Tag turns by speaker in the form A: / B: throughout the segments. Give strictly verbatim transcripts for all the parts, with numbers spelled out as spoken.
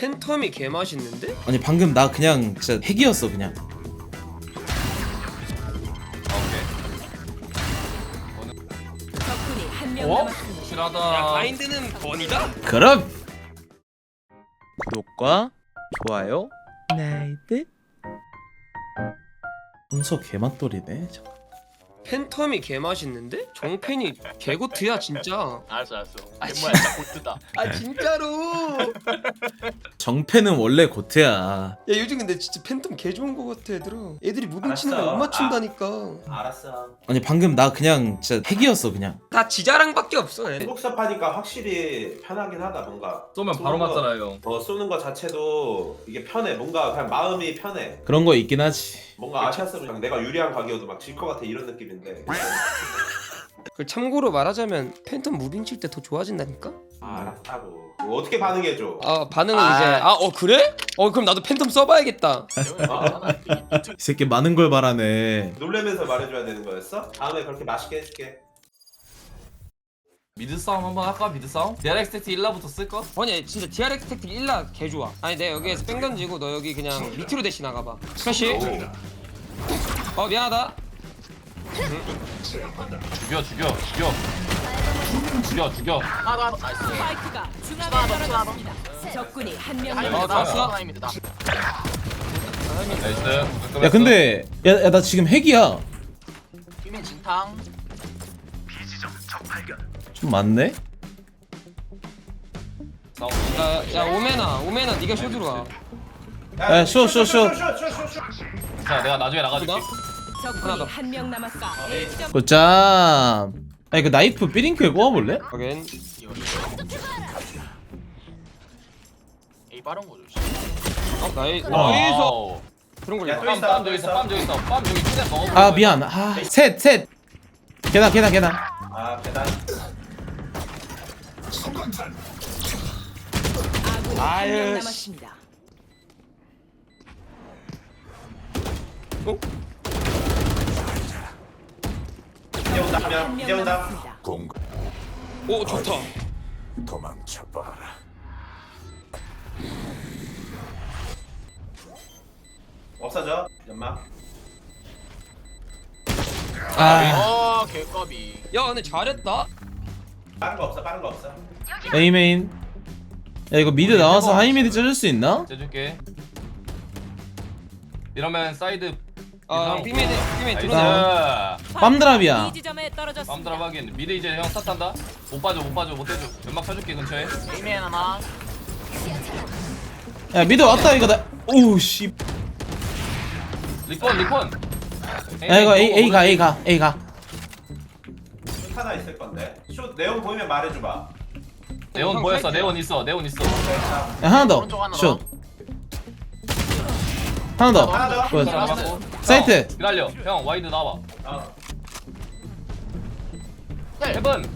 A: 팬텀이 개 맛있는데?
B: 아니 방금 나 그냥 진짜 핵이었어 그냥.
C: 적군이 한 명
D: 어?
C: 남았습니다.
A: 야
D: 실하다.
A: 바인드는 번이다?
B: 그럼 구독과 좋아요 나이트 순서 개맛돌이네. 잠깐.
A: 팬텀이 개 맛있는데? 정팬이 개고트야 진짜.
D: 알았어 알았어.
A: 아,
D: 정말 진짜 고트다.
A: 아 진짜로.
B: 정패는 원래 고트야.
A: 야 요즘 근데 진짜 팬텀 개 좋은 거 같아 얘들아. 애들이 무빙 치는 거
E: 알았어.
A: 못 맞춘다니까.
E: 알았어.
B: 아니 방금 나 그냥 진짜 핵이었어 그냥.
A: 다 지자랑밖에 없어 얘.
E: 행복샵 하니까 확실히 편하긴 하다 뭔가.
D: 쏘면 바로
E: 거-
D: 맞잖아요.
E: 어 쏘는 거 자체도 이게 편해. 뭔가 그냥 마음이 편해.
B: 그런 거 있긴 하지.
E: 뭔가 아시아스로 그냥 내가 유리한 각이어도 막 질 것 같아 이런 느낌인데.
A: 그 참고로 말하자면 팬텀 무빙 칠 때 더 좋아진다니까?
E: 아, 알았다고. 뭐 어떻게 반응해줘?
A: 아 반응은
E: 아.
A: 이제 아 어 그래? 어 그럼 나도 팬텀 써봐야겠다.
B: 이 새끼 많은 걸 바라네.
E: 놀래면서 말해줘야 되는 거였어? 다음에 그렇게 맛있게 해줄게.
D: 미드 싸움 한번 할까? 미드 싸움? 디알엑스 텍트 일라부터 쓸까?
A: 아니 진짜 디알엑스 택틱 일라 개 좋아. 아니 내가 여기에서 뺑 던지고 너 여기 그냥 밑으로 대시 나가봐. 스페시. 어 미안하다.
D: 죽여 죽여 죽여. 죽여 죽여.
C: 스파이크가 중앙에 떨어졌습니다. 적군이 한 명
A: 어
C: 남았습니다.
A: 나왔어.
D: 나이스.
B: 야 근데 야 나 지금 핵이야. 좀 많네.
D: 싸움.
A: 야, 야 오메나 오메나 네가 쇼 들어와.
B: 야, 쇼, 쇼, 쇼.
D: 자 내가 나중에 나가줄게.
A: 하나
C: 적군이
A: 더.
C: 한 명 남았습니다. A 지점
B: 굿잠. 아니 그 나이프 삐링크에 꽂아볼래?
A: 하긴.
F: A 빠른 거죠.
A: 어 나이
B: 어.
A: 나이스.
D: 와우.
A: 그런 걸
E: 야,
A: 봐.
E: 또 있어.
D: 빰빰 저기 있어. 빰 저기 있어. 빰 여기 최대 먹어.
B: 아 미안. 아셋 셋. 계단 계단 계단.
E: 아 계단.
C: 아군이 한
A: 아유,
C: 명
A: 씨.
C: 남았습니다.
A: 어?
E: 이제 온다
C: 한
E: 하면
C: 명
E: 이제 온다.
C: 남았습니다.
A: 오 좋다.
E: 없어져. 연막.
B: 아
F: 어, 개꺼비.
A: 야 근데 잘했다.
E: 빠른 거 없어. 빠른 거 없어.
B: 에이메인. 야 이거 미드 나와서 하이미드 쪄줄 수 있나?
D: 째줄게. 이러면 사이드.
A: 아 삐메드 삐메
D: 나이스.
A: 들어가.
B: 빰드랍이야.
C: 이 지점에 떨어졌습니다.
D: 빰드랍 하긴. 미드 이제 형 탓한다. 못 빠져 못 빠져 못 해줘. 연막 쳐줄게 근처에.
F: 에이맨 하나.
B: 야 미드 왔다 이거 나. 오우 씨.
D: 리콘 리콘.
B: 야 이거 A A 가 A 가 A 가.
E: 슛 하나 있을 건데. 슛 내용 보이면 말해줘봐.
D: 네온
A: 형
D: 보였어.
A: 사이트야.
D: 네온 있어. 네온 있어.
E: 자,
B: 야 하나 더.
F: 오른쪽 하나
B: 슛. 하나 더.
E: 하나 더.
B: 굿.
D: 자, 맞고.
B: 사이트.
D: 형, 기다려. 형 와이드 나와.
E: 어.
D: 헤븐.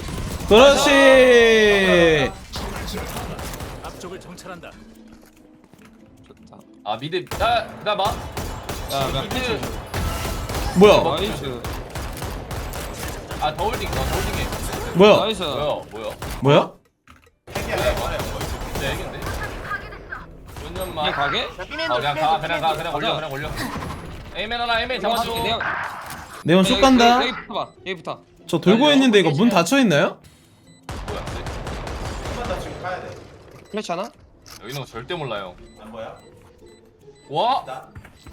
B: 그렇지.
D: 아 미드. 야 기다려 봐.
A: 야나
D: 미드.
B: 뭐야?
A: 나이스.
D: 아 더홀딩. 어 더홀딩해.
B: 뭐야?
A: 나이스.
D: 뭐야 뭐야.
B: 뭐야?
E: 핵이야.
D: 진짜 얘긴데.
A: 그냥
D: 연년만.
A: 가게?
F: 야, 삐맨
D: 아 그냥 가 그냥 가 그냥 올려
A: 가자.
D: 그냥 올려. 에이맨 하나 에이맨 잡아줘.
A: 내가
B: 네온 슛 간다.
A: 여기 붙어봐. 여기부터.
B: 저 돌고 있는데 이거 문 닫혀 있나요?
D: 뭐야?
E: 한번 더 지금 가야 돼.
A: 플래시 하나?
D: 여기 있는 거 절대 몰라요.
E: 안 보여?
D: 와.
E: 나.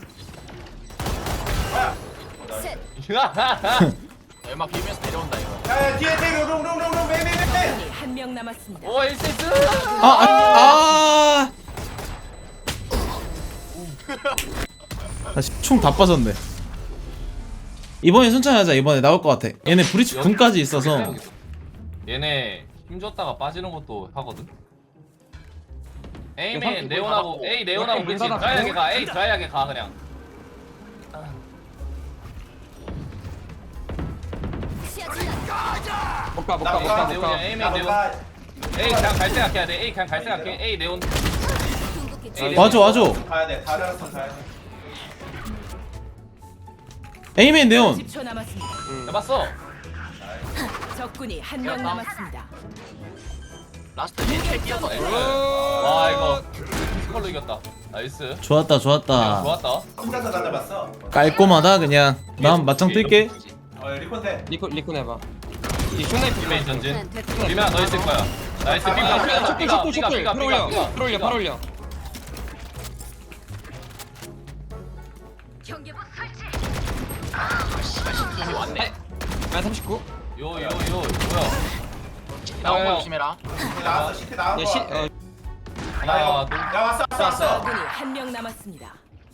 F: 얼마 비면서 내려온다 이거.
E: 야 뒤에 뒤에 롱롱롱롱 왜왜왜
C: 적군이 한 명 남았습니다.
D: 오 에이세스.
B: 아 아. 아. 다시 총 다 빠졌네. 이번에 천천히 하자. 이번에 나올 것 같아. 얘네 브리치 군까지 있어서.
D: 얘네 힘줬다가 빠지는 것도 하거든. 에이맨
A: 삼십
D: 네온하고
F: 닫았고.
D: 에이 네온하고
A: 문
D: 그치
A: 닫았고.
D: 드라이하게 가 에이 드라이하게 가 그냥.
A: 못가 못가
E: 나
A: 못가
E: 나
D: 네온이야
A: 못가.
D: 에이맨 네온. 에이 그냥 갈 생각해야 돼. 에이 그냥 갈 생각해. 에이 네온. 에이,
B: 와줘 와줘.
E: 가야 돼. 다르라서 가야 돼.
B: 에이맨 네온.
C: 십 초 남았습니다.
D: 해봤어.
C: 적군이 한 명 남았습니다.
F: 라스트 힐 뛰어서.
D: 와 이거 걸로 이겼다. 나이스.
B: 좋았다
D: 야,
B: 좋았다.
D: 좋았다.
E: 혼자서 가져봤어.
B: 깔끔하다 그냥. 난 맞짱 뜰게.
E: 어 리콘테.
A: 리콘 리콘 해봐. 이 쇼나이프
D: 비메인 전진. 비메야 너 있을 거야. 나이스. 삐가 삐가
A: 쇼필
D: 삐가
A: 쇼필
D: 삐가
A: 쇼필
D: 삐가
A: 팔 올려
D: 삐가
A: 팔 올려 팔 올려.
F: 여기 왔네.
A: 아 삼십구.
D: 요요요 뭐야?
F: 나온 거
A: 야, 야.
F: 조심해라.
E: 시티 나왔어. 시티 나온
A: 야
E: 거
A: 시.
E: 같아.
A: 어,
D: 하나 둘.
E: 야 왔어 왔어 왔어.
C: 적군이 한 명 남았습니다.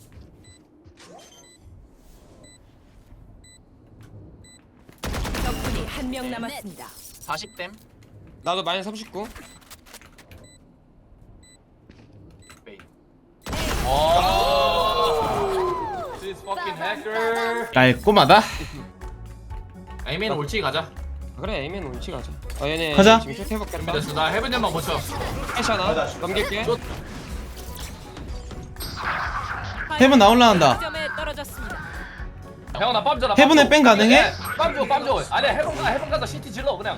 C: 적군이 한 명 남았습니다.
F: 사십 댐.
A: 나도 마이너스 삼십구.
F: 베이.
D: 와. This fucking hacker.
B: 깔끔하다.
F: 에이맨 올치 가자.
A: 아, 그래 에이맨 올치 가자. 어 얘네
B: 가자.
A: 지금 슛 해볼겠다.
F: 됐어. 나 해븐년만 버텨.
A: 해시 하나 넘길게.
B: 헤븐 나올라간다.
C: 점에 떨어졌습니다.
D: 형 나 빰 줘라.
B: 해븐에 뺑 가능해?
D: 빰줘빰 줘. 아니 해븐 가 해븐 가서 시티 질러 그냥.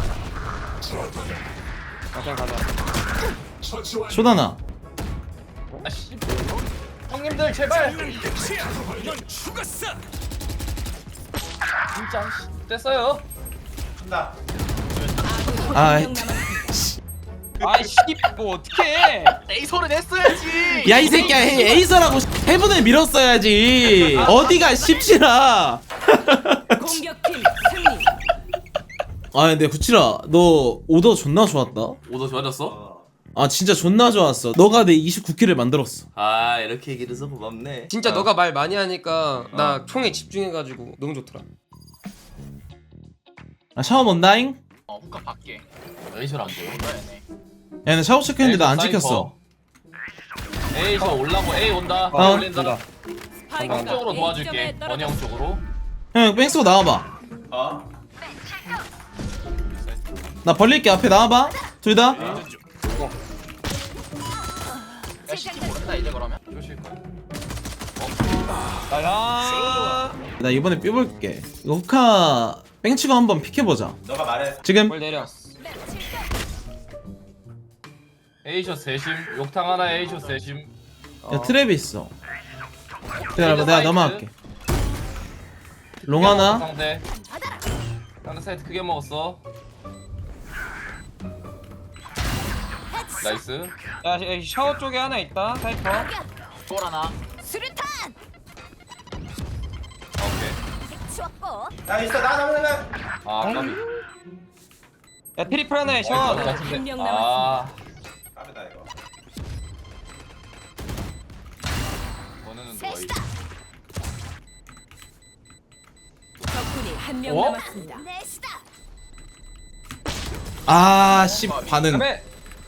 A: 아, 그냥 가자.
B: 쇼다나.
D: 아씨. 형님들 제발. 진짜 씨. 됐어요.
E: 준다.
B: 아,
C: 한 명 남았습니다.
A: 아이씨 뭐 어떡해.
F: 에이솔은 했어야지.
B: 야 이 새끼야 헤- 에이서라고 헤븐을 밀었어야지. 어디가 십시라.
C: 공격팀 승리.
B: 아 근데 구칠아 너 오더 존나 좋았다.
G: 오더 좋아졌어?
E: 어.
B: 아 진짜 존나 좋았어. 너가 내 이십구 킬을 만들었어.
G: 아 이렇게 얘기해서 고맙네.
A: 진짜 너가 말 많이 하니까 나 총에 집중해가지고 너무 좋더라.
B: 아 샤워 본다잉.
F: 어 후카 밖에. 에이솔 안 돼. 그러네.
B: 야나 샤워 체크했는데 나 안 찍혔어.
D: A 저 올라고 A 온다.
B: 어.
D: 올린다. 형
C: 스파이크가
D: 쪽으로
C: A
D: 도와줄게.
C: 점에
D: 원희 형 쪽으로.
B: 형 뺑 쓰고 나와봐.
E: 어.
B: 나 벌릴게. 앞에 나와봐. 둘 다.
F: 야 시티 모른다 이제 그러면.
D: 조실 거야.
A: 나야.
B: 나 이번에 삐볼게. 이거 후카 뺑치고 한번 픽해보자.
E: 너가 말해.
B: 지금.
A: 뭘 내려.
D: A샷 세심. 욕탕 하나 A샷 세심.
B: 야 트랩이 있어. 기다려봐 내가 넘어갈게. 롱 하나.
D: 상대. 상대 사이트 크게 먹었어. 나이스.
A: 야 시- 샤워 쪽에 하나 있다. 사이퍼.
F: 볼 하나.
D: 오케이.
E: 야 있어 나 나오는
D: 아 까비.
A: 야 트리플 하나에 샤워
D: 어,
A: 하나.
D: 같은데.
C: 한명
D: 아.
E: 까비다 이거.
D: 너는 누가 이?
C: 적군이 한 명
D: 어?
C: 남았습니다.
B: 아씨 반응.
A: 그다음에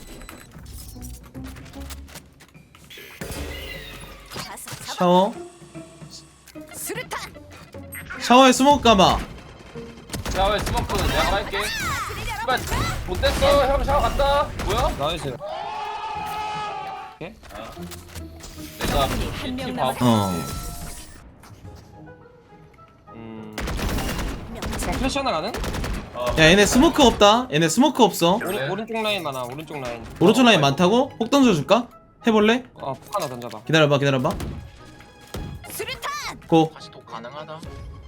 B: 샤워. 샤워에 스모크 감아.
D: 샤워에 스모크는 내가 할게. 씨발 못 됐어. 형 샤워 갔다. 뭐야?
A: 나이스.
D: 내가
C: 한 명
D: 티
C: 남았-
D: 봐.
B: 어.
A: 음. 그냥 플래시 하나 가는?
B: 야 얘네 스모크 없다. 얘네 스모크 없어.
A: 오른
D: 네.
A: 오른쪽 라인 많아. 오른쪽 라인.
B: 오른쪽 라인 많다고? 폭 던져줄까? 해볼래?
A: 어 폭 하나 던져봐.
B: 기다려봐 기다려봐. 고.
F: 다시 독 가능하다.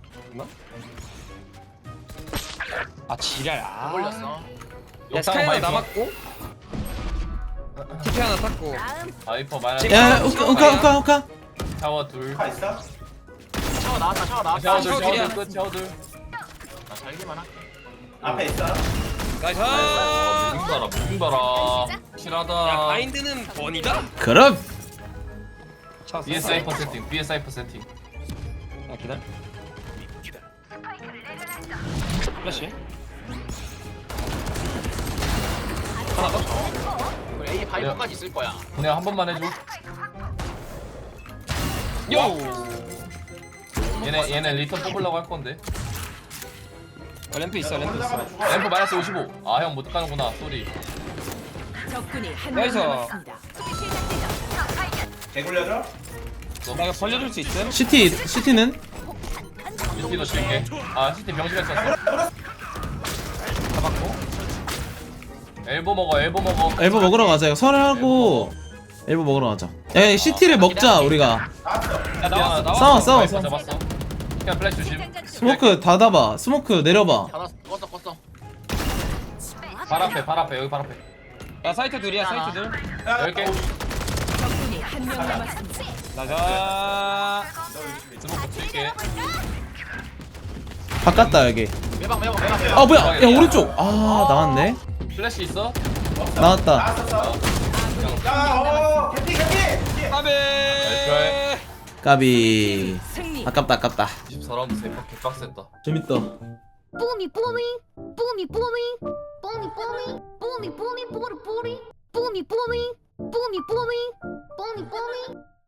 A: 아 지랄. 아.
F: 올렸어.
A: 야
D: 욕탕
A: 스카이 하나
D: 바이퍼.
A: 남았고. 티피 하나 탔고.
D: 바이퍼 마이너스.
B: 야 우카 우카 우카 우카.
D: 샤워 둘.
E: 파 있어?
F: 샤워 나왔다. 샤워 나왔다.
D: 샤워 둘.
A: 샤워
D: 샤워
A: 둘이야.
D: 둘 끝. 샤워 둘.
F: 나 살기만 할게.
E: 앞에 있어.
A: 나이스.
D: 어, 무빙 봐라. 무빙 봐라.
A: 야
D: 실하다.
A: 바인드는 번이다.
B: 그럼.
A: 차
D: B S 사이퍼 세팅. B S 사이퍼 세팅.
A: 야 기다려. 플래시. 하나 더.
F: 그리고 A 바이퍼까지 있을 거야.
D: 그냥 한 번만 해줘.
A: 요.
D: 얘네 얘네 리턴 뽑으려고 할 건데.
A: 어, 램프 있어 램프 있어.
E: 올라가면 죽어.
D: 램프 마이너스 오십오. 아 형 못 가는구나. 쏘리.
C: 적군이 한 명
A: 나이스.
C: 남았습니다.
E: 개 굴려줘?
A: 나 이거 벌려줄 수 있음?
B: 시티 시티는
D: 시티도 칠게. 아 시티 병실에 썼어.
A: 잡았고.
D: 엘보 먹어. 엘보 먹어.
B: 엘보 먹으러 가자. 이거 설하고 일부 먹으러 가자. 야 시티를 먹자 우리가.
E: 나왔어.
D: 야 나왔어 나왔어.
B: 싸워, 싸워,
D: 나이스,
B: 싸워.
D: 잡았어. 그냥 플래시 조심.
B: 스모크 닫아봐. 스모크 내려봐.
F: 하나 껐어 껐어.
D: 발 앞에 발 앞에 여기 발 앞에.
A: 야 사이트 둘이야 사이트 둘.
E: 야,
D: 열 개.
E: 어,
C: 적군이 한 명 남았습니다.
A: 나자.
D: 스모크 칠게.
B: 바꿨다 여기.
F: 매방 매방 매방 매방.
B: 아 뭐야? 야 오른쪽. 아 나왔네.
D: 플래시 있어?
B: 나왔다.
E: 나왔었어. 야, 어, 개피, 개피.
A: 까베.
B: 까비.
C: 승리.
B: 아깝다 아깝다.
G: 이십사 라운드 세판 개빡셌다.
B: 재밌다.
H: Boomy, boomy, boomy, boomy, boomy, boomy, boomy, boomy, booty, booty, boomy, boomy, boomy, boomy, boomy, boomy.